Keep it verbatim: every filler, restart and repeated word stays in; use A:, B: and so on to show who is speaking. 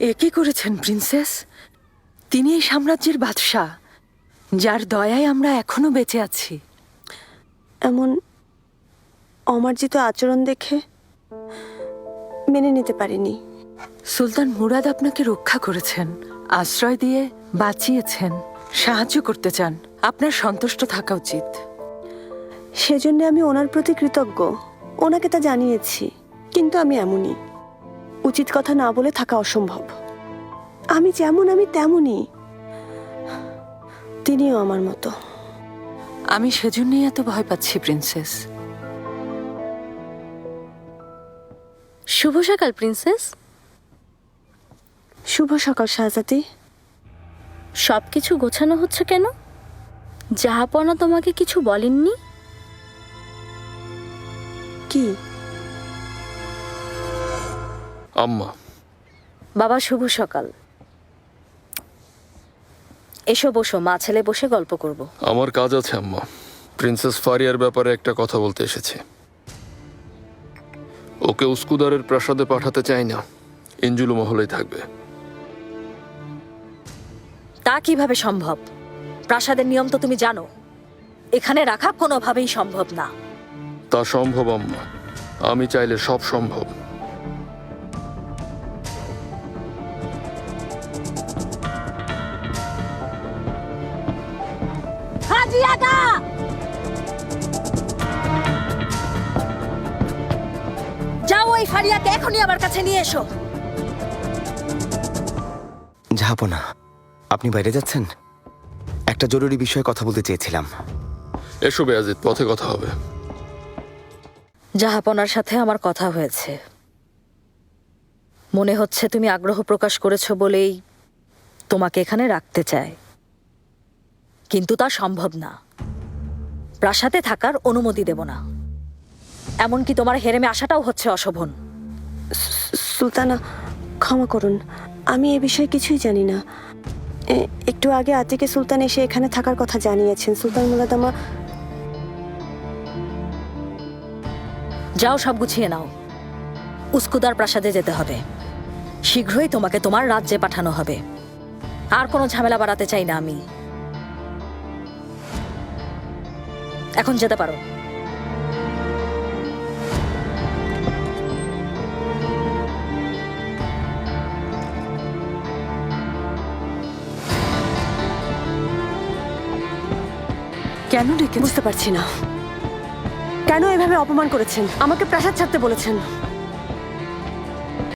A: এ কি করেছেন প্রিন্সেস? তিনি এই সাম্রাজ্যের বাদশাহ, যার দয়ায় আমরা এখনো বেঁচে আছি।
B: এমন অমার্জিত আচরণ দেখে মেনে নিতে পারিনি।
A: সুলতান মুরাদ আপনাকে রক্ষা করেছেন, আশ্রয় দিয়ে বাঁচিয়েছেন, সাহায্য করতে চান। আপনার সন্তুষ্ট থাকা উচিত।
B: সেজন্য আমি ওনার প্রতি কৃতজ্ঞ। ওনাকে তা জানিয়েছি, কিন্তু আমি এমনই। উচিত কথা না বলে থাকা অসম্ভব। আমি যেমন আমি তেমনই, তিনিও আমার মতো।
A: আমি সেজন্যই এত ভয় পাচ্ছি প্রিন্সেস।
C: শুভ সকাল প্রিন্সেস।
B: শুভ সকাল শাহজাদি।
C: সবকিছু গোছানো হচ্ছে কেন? জাহাপনা তোমাকে কিছু বলেননি?
B: কি?
D: আম্মা।
C: বাবা শুভ সকাল। এসো বসো, মা ছেলে বসে গল্প করব।
D: আমার কাজ আছে আম্মা। প্রিন্সেস ফারিয়ার ব্যাপারে একটা কথা বলতে এসেছি। ওকে উস্কুদারের প্রাসাদে পাঠাতে চাই না, ইঞ্জুলু মহলেই থাকবে।
C: তা কিভাবে সম্ভব? প্রাসাদের নিয়ম তো তুমি জানো। এখানে রাখা কোনোভাবেই সম্ভব না।
D: তা সম্ভব আম্মা, আমি চাইলে সব সম্ভব।
C: যাও ওই ফারিয়াকে এখনই আমার কাছে নিয়ে এসো।
E: জাহাপনা, আপনি বাইরে যাচ্ছেন? একটা জরুরি বিষয়ে কথা বলতে চেয়েছিলাম।
D: এসো বেয়াজিদ, পথে কথা হবে।
C: জাহাপনার সাথে আমার কথা হয়েছে। মনে হচ্ছে তুমি আগ্রহ প্রকাশ করেছো বলেই তোমাকে এখানে রাখতে চায়, কিন্তু তা সম্ভব না। প্রাসাদে থাকার অনুমতি দেব না। এমনকি তোমার হেরেমে আসাটাও হচ্ছে অশোভন।
B: সুলতানা, ক্ষমা করুন, আমি এ বিষয়ে কিছুই জানি না। এ- একটু আগে আতিকে সুলতান এসে এখানে থাকার কথা জানিয়েছেন। সুলতান মুরাদ আমা।
C: যাও, সব গুছিয়ে নাও। উস্কুদার প্রাসাদে যেতে হবে। শীঘ্রই তোমাকে তোমার রাজ্যে পাঠানো হবে। আর কোনো ঝামেলা বাড়াতে চাই না আমি। এখন যেতে পারো।
A: কেন ডেকে?
B: বুঝতে পারছি না, কেন এভাবে অপমান করেছেন? আমাকে প্রাসাদ ছাড়তে বলেছেন।